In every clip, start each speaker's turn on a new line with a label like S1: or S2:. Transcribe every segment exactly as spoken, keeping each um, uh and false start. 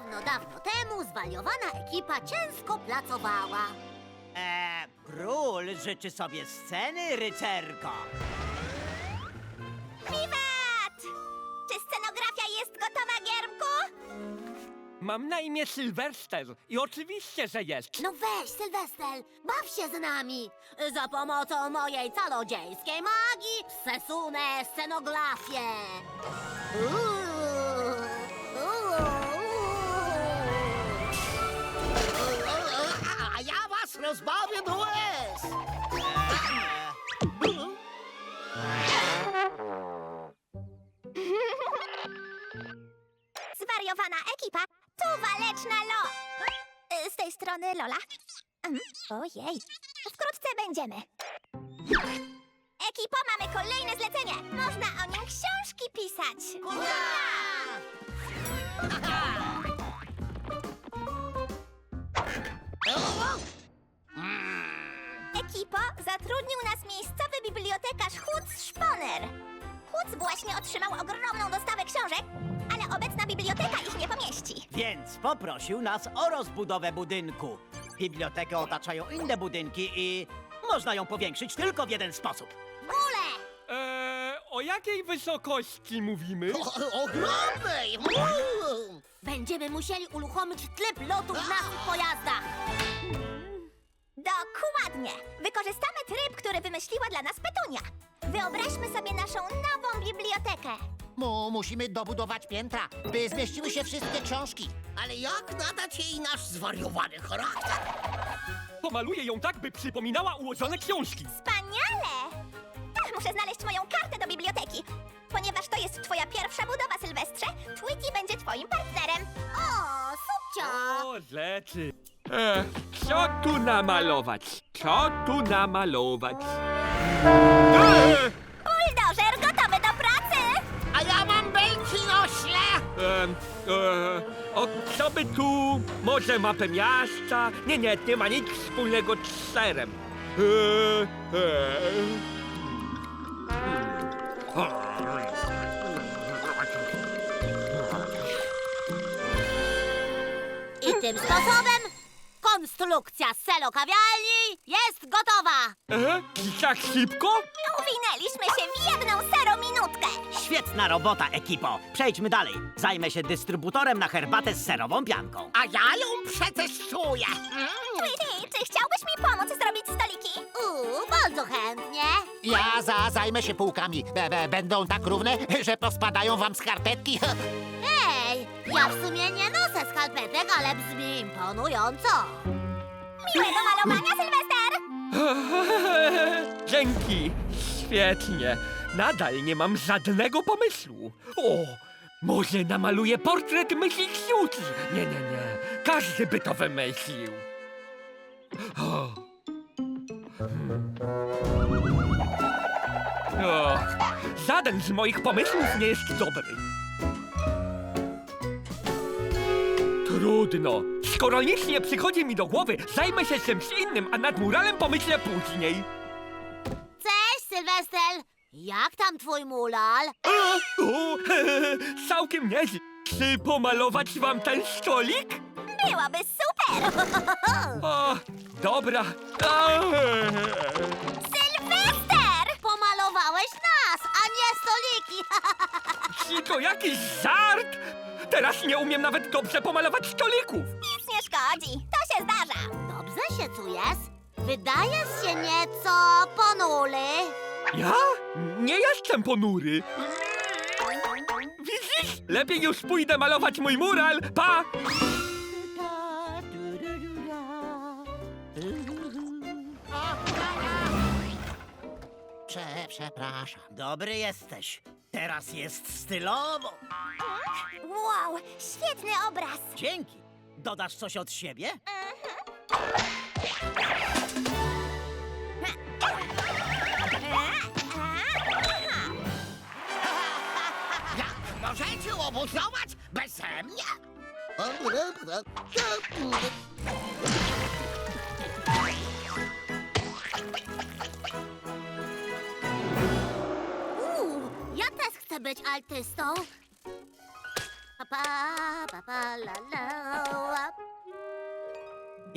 S1: Dawno, dawno temu zwariowana ekipa ciężko pracowała.
S2: Eee, król życzy sobie sceny, rycerko.
S3: Wiwat! Czy scenografia jest gotowa, Giermku?
S4: Mam na imię Sylwester i oczywiście, że jest.
S1: No weź, Sylwester, baw się z nami. Za pomocą mojej czarodziejskiej magii przesunę scenografię. Uuu, uuu.
S5: A ja was rozbawię do łez!
S3: Zwariowana ekipa, tu waleczna Lo... Y, Z tej strony Lola. Mm, Ojej, wkrótce będziemy. Ekipo, mamy kolejne zlecenie. Można o nim książki pisać. Ekipo, zatrudnił nas miejscowy bibliotekarz Huc Szponer. Huc właśnie otrzymał ogromną dostawę książek, ale obecna biblioteka ich nie pomieści.
S2: Więc poprosił nas o rozbudowę budynku. Bibliotekę otaczają inne budynki i można ją powiększyć tylko w jeden sposób.
S1: Gule!
S4: Eee, o jakiej wysokości mówimy?
S5: O, ogromnej! Mm.
S1: Będziemy musieli uruchomić tryb lotu w naszych pojazdach.
S3: Dokładnie! Wykorzystamy tryb, który wymyśliła dla nas Petunia. Wyobraźmy sobie naszą nową bibliotekę.
S5: Mu, musimy dobudować piętra, by zmieściły się wszystkie książki. Ale jak nadać jej nasz zwariowany charakter?
S4: Pomaluję ją tak, by przypominała ułożone książki.
S3: Wspaniale! Ach, muszę znaleźć moją kartę do biblioteki. Ponieważ to jest twoja pierwsza budowa, Sylwestrze, Tweety będzie twoim partnerem.
S1: O, subcio!
S4: O, rzeczy. Eee, co tu namalować? Co tu namalować? Eee,
S3: Buldożer gotowy do pracy!
S5: A ja mam belki nośle!
S4: em, eee, o, co by tu? Może mapę miasta? Nie, nie, nie ma nic wspólnego z serem. Eee, eee.
S1: I tym sposobem konstrukcja selo kawiarni jest gotowa.
S4: Eee, i tak szybko?
S3: Uwinęliśmy się w jedną serominutkę.
S2: Świetna robota, ekipo. Przejdźmy dalej. Zajmę się dystrybutorem na herbatę z serową pianką.
S5: A ja ją przetestuję!
S3: Tweety, czy chciałbyś mi pomóc zrobić stoliki?
S1: Uuu, bardzo chętnie.
S5: Ja za, zajmę się półkami. Be, be, będą tak równe, że pospadają wam skarpetki.
S1: Ej, ja w sumie nie noszę skarpetek, ale brzmi imponująco.
S3: Miłego malowania, Sylwester!
S4: Dzięki. Świetnie. Nadal nie mam żadnego pomysłu. O, może namaluję portret Myśli Ksiuki. Nie, nie, nie. Każdy by to wymyślił. O. Hmm. O. Żaden z moich pomysłów nie jest dobry. Trudno. Skoro nic nie przychodzi mi do głowy, zajmę się czymś innym, a nad muralem pomyślę później.
S1: Cześć, Sylwester. Jak tam twój mural?
S4: O, o, całkiem nieźle. Czy pomalować wam ten stolik?
S3: Byłoby super!
S4: O, dobra. A,
S3: Sylwester!
S1: Pomalowałeś nas, a nie stoliki.
S4: Czy to jakiś żart? Teraz nie umiem nawet dobrze pomalować stolików.
S3: Nic nie szkodzi, to się zdarza.
S1: Dobrze się czujesz? Wydajesz się nieco ponury.
S4: Ja? Nie jestem ponury. Widzisz? Lepiej już pójdę malować mój mural. Pa!
S5: Prze, przepraszam.
S2: Dobry jesteś. Teraz jest stylowo.
S3: Wow, świetny obraz.
S2: Dzięki. Dodasz coś od siebie?
S5: Jak możecie obuzować beze mnie?
S1: Uuu, ja też chcę być artystą. Pa, pa, pa, pa, la, la.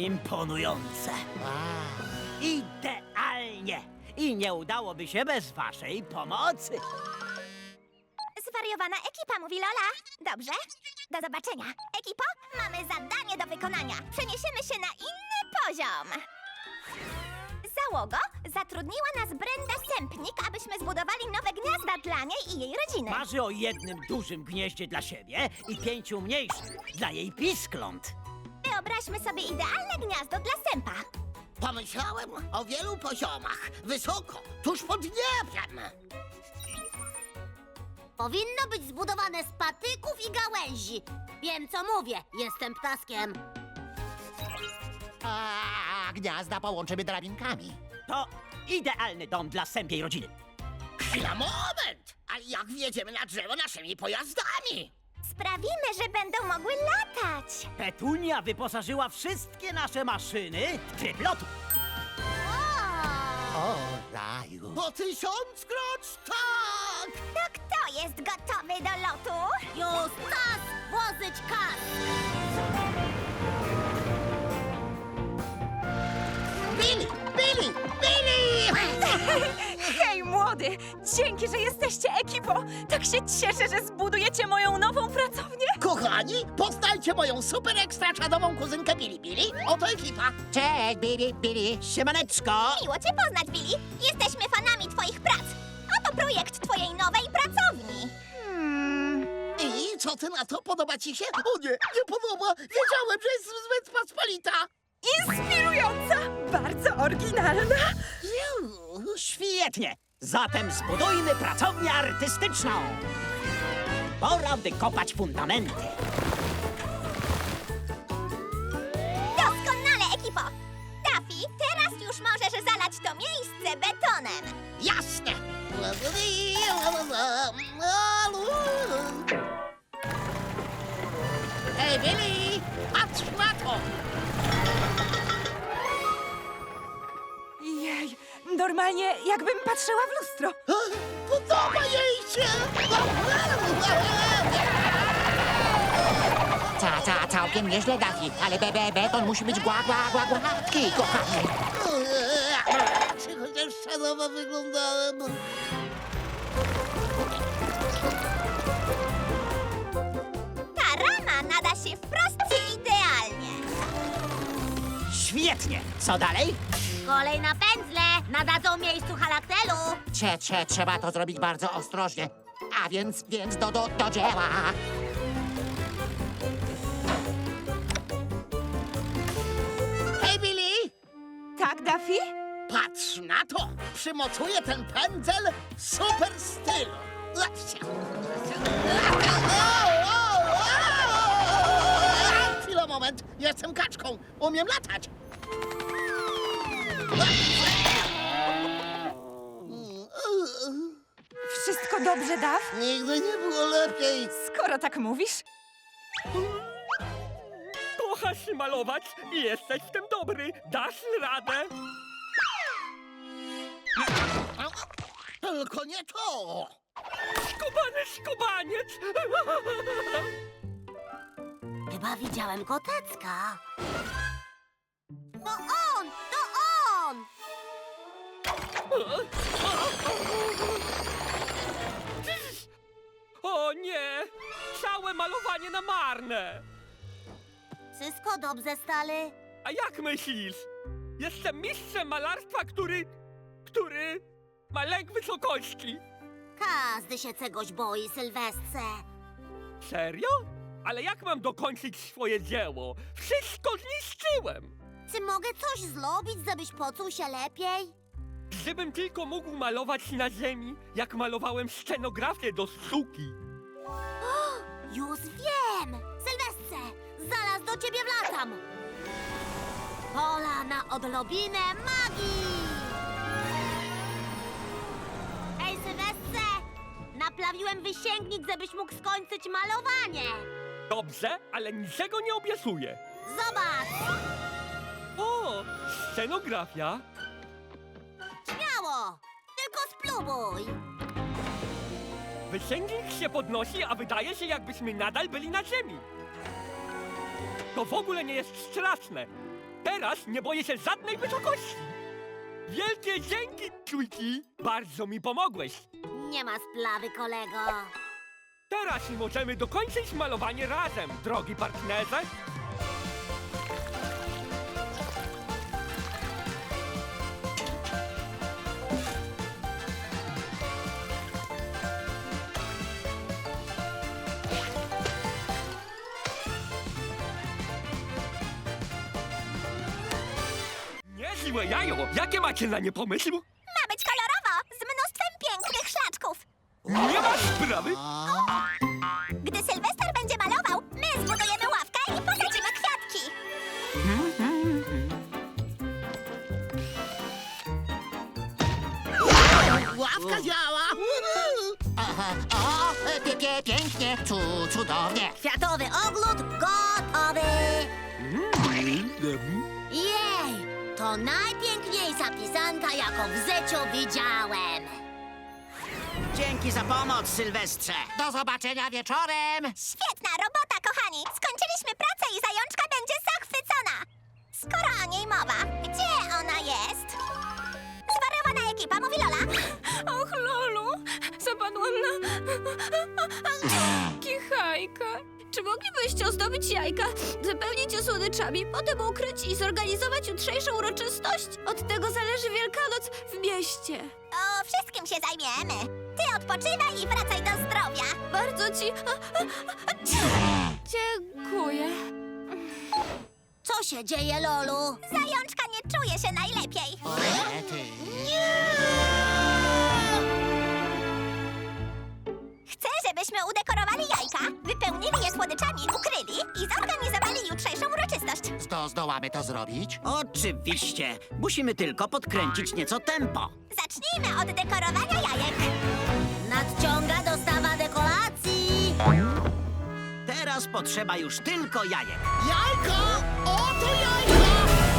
S2: Imponujące.
S5: Wow.
S2: Idealnie. I nie udałoby się bez waszej pomocy.
S3: Zwariowana ekipa, mówi Lola. Dobrze, do zobaczenia. Ekipo, mamy zadanie do wykonania. Przeniesiemy się na inny poziom. Załogo, zatrudniła nas Brenda Sępnik, abyśmy zbudowali nowe gniazda dla niej i jej rodziny.
S2: Marzy o jednym dużym gnieździe dla siebie i pięciu mniejszych dla jej piskląt.
S3: Wyobraźmy sobie idealne gniazdo dla sępa.
S5: Pomyślałem o wielu poziomach. Wysoko, tuż pod niebem.
S1: Powinno być zbudowane z patyków i gałęzi. Wiem, co mówię. Jestem ptaskiem.
S5: A gniazda połączymy drabinkami.
S2: To idealny dom dla sępiej rodziny.
S5: Chwila, moment! Ale jak wjedziemy na drzewo naszymi pojazdami?
S3: Sprawimy, że będą mogły latać.
S2: Petunia wyposażyła wszystkie nasze maszyny w tryb lotu.
S5: O, raju. Po tysiąckroć tak!
S3: To kto jest gotowy do lotu?
S1: Już czas włożyć kas.
S5: Billy! Billy! Billy!
S6: Hej, młody! Dzięki, że jesteście ekipą! Tak się cieszę, że zbudujecie moją nową pracownię!
S5: Kochani, poznajcie moją super ekstra czadową kuzynkę Billy Billy. Oto ekipa. Cześć, Billy, Billy.
S2: Siemaneczko!
S3: Miło cię poznać, Billy. Jesteśmy fanami twoich prac. Oto projekt twojej nowej pracowni.
S5: I co ty na to? Podoba ci się? O nie, nie podoba. Wiedziałem, że jest zbyt pospolita.
S6: Inspirująca! Bardzo oryginalna!
S5: Ziu.
S2: Świetnie! Zatem zbudujmy pracownię artystyczną. Pora wykopać fundamenty.
S3: Doskonale, ekipo. Daffy, teraz już możesz zalać to miejsce betonem.
S5: Jasne. Hej, Billy, patrz na to.
S6: Jej, normalnie jakbym patrzyła w lustro.
S5: Podoba jej się.
S7: Ca, ca, całkiem nieźle, Daffy, ale be, be, beton musi być gła, gła, gła, gładki, kochany.
S5: Czy chociaż szanowo wyglądałem?
S3: Ta rama nada się wprost idealnie.
S2: Świetnie! Co dalej?
S1: Kolej na pędzle. Nadadzą miejscu halaktelu.
S7: Cze, cze, trzeba to zrobić bardzo ostrożnie. A więc, więc do, do, do dzieła.
S5: Hej, Billy,
S6: Tak, Daffy?
S5: patrz na to. Przymocuję ten pędzel w super stylu. Chwila, moment. Jestem kaczką. Umiem latać.
S6: Wszystko dobrze, Daff?
S5: Nigdy nie było lepiej.
S6: Skoro tak mówisz.
S4: Kochasz malować i jesteś w tym dobry. Dasz radę.
S5: Tylko nie to.
S4: Skubany skubaniec.
S1: Chyba widziałem kotecka. To on! To on!
S4: O nie! Całe malowanie na marne!
S1: Wszystko dobrze, stary?
S4: A jak myślisz? Jestem mistrzem malarstwa, który... który... ma lęk wysokości.
S1: Każdy się czegoś boi, Sylwestrze.
S4: Serio? Ale jak mam dokończyć swoje dzieło? Wszystko zniszczyłem!
S1: Czy mogę coś zrobić, żebyś poczuł się lepiej?
S4: Gdybym tylko mógł malować na ziemi, jak malowałem scenografię do sztuki.
S1: Już wiem! Sylwestrze, zaraz do ciebie wlatam! Pola na odrobinę magii! Ej, Sylwestrze! Naplawiłem wysięgnik, żebyś mógł skończyć malowanie!
S4: Dobrze, ale niczego nie obiecuję.
S1: Zobacz!
S4: O, scenografia.
S1: Śmiało! Tylko spróbuj!
S4: Wysięgnik się podnosi, a wydaje się, jakbyśmy nadal byli na ziemi. To w ogóle nie jest straszne. Teraz nie boję się żadnej wysokości. Wielkie dzięki, Trójki. Bardzo mi pomogłeś.
S1: Nie ma splawy, kolego.
S4: Teraz możemy dokończyć malowanie razem, drogi partnerze. Niezłe jajo! Jakie macie na nie pomysł?
S3: Ma być kolorowo, z mnóstwem pięknych szlaczków.
S4: Nie ma sprawy!
S3: Gdy Sylwester będzie malował, my zbudujemy ławkę i posadzimy kwiatki.
S5: Ławka działa!
S7: Aha, o, pie, pie, pięknie, cu, cudownie.
S1: Kwiatowy ogród gotowy. Jej, to najpiękniejsza pisanka, jaką w życiu widziałem.
S2: Dzięki za pomoc, Sylwestrze.
S7: Do zobaczenia wieczorem.
S3: Świetna robota, kochani! Skończyliśmy pracę i zajączka będzie zachwycona! Skoro o niej mowa, gdzie ona jest? Zwariowana ekipa, mówi Lola.
S6: Och, Lolu, zapadłam na... kichajka. Czy moglibyście ozdobić jajka, zapełnić je słodyczami, potem ukryć i zorganizować jutrzejszą uroczystość? Od tego zależy Wielkanoc w mieście.
S3: O wszystkim się zajmiemy. Ty odpoczywaj i wracaj do zdrowia.
S6: Bardzo ci... Dziękuję.
S1: Co się dzieje, Lolu?
S3: Zajączka nie czuje się najlepiej.
S7: Rety.
S3: Chcę, żebyśmy udekorowali jajka, wypełnili je słodyczami, ukryli i zorganizowali jutrzejszą uroczystość.
S7: Zdo, zdołamy to zrobić?
S2: Oczywiście. Musimy tylko podkręcić nieco tempo.
S3: Zacznijmy od dekorowania jajek.
S1: Nadciąga dostawa dekoracji.
S2: Teraz potrzeba już tylko jajek.
S5: Jajko! Oto jajko!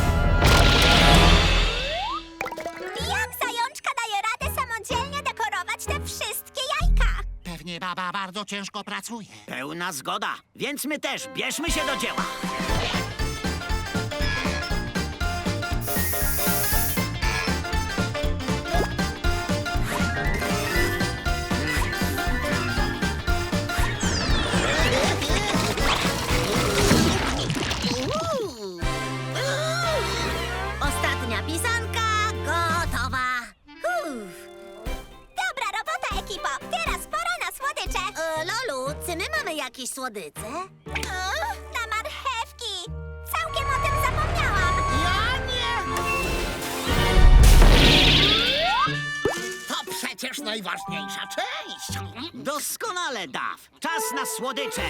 S3: Jak zajączka daje radę samodzielnie dekorować te wszystkie jajka?
S7: Pewnie baba bardzo ciężko pracuje.
S2: Pełna zgoda. Więc my też bierzmy się do dzieła.
S1: Ostatnia pisanka gotowa. Uff.
S3: Dobra robota, ekipo! Teraz pora na słodycze!
S1: E, Lolu, czy my mamy jakieś słodycze?
S3: O, na marchewki! Całkiem o tym zapomniałam!
S5: Ja nie! To przecież najważniejsza część!
S2: Doskonale, Daw. Czas na słodycze.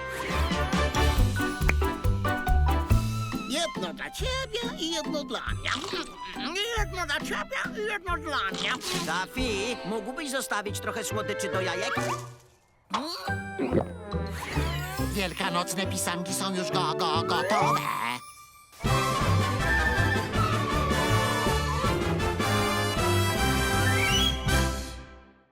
S5: Jedno dla ciebie i jedno dla mnie. Jedno dla ciebie i jedno dla mnie.
S2: Daffy, mógłbyś zostawić trochę słodyczy do jajek?
S7: Wielkanocne pisanki są już go, go, gotowe.